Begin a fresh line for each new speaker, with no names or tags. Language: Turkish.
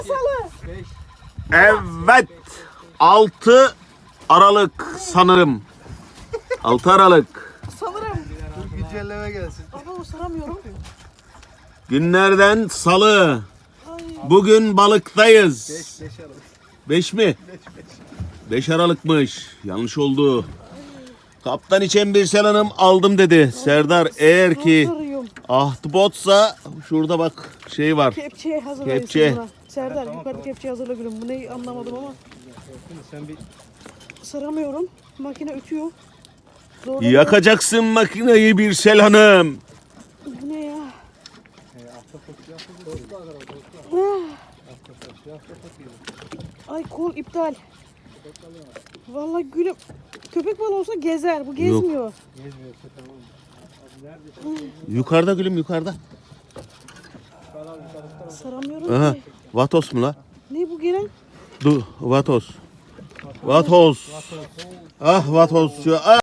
Salı.
Evet. 6 Aralık sanırım. 6 Aralık.
Sanırım.
Güncelleme gelsin.
Ama saramıyorum.
Günlerden salı.
Ay.
Bugün balıktayız.
5 Aralık.
5 mi? 5 Aralık'mış. Yanlış oldu. Kaptan içen bir Hanım aldım dedi. Serdar eğer ki
Sarıyorum.
ahtapotsa şurada bak şey var.
Kepçeye hazırlayın
Kepçe.
buna. Serdar yukarıda kepçeye hazırla gülüm. Bu neyi anlamadım ama.
Sen bir
Saramıyorum. Makine ötüyor. Zor.
Yakacaksın makineyi bir Hanım.
Bu ne ya? Ay kol iptal. Vallahi gülüm. Köpek balığı olsa gezer. Bu gezmiyor.
gezmiyor tamam. Abi nerede?
Yukarıda gülüm yukarıda.
Saramıyorum
Aha.
ki.
Vatos mu la?
Ne bu gelen?
Vatos. Vatos. Ah vatos. Ah.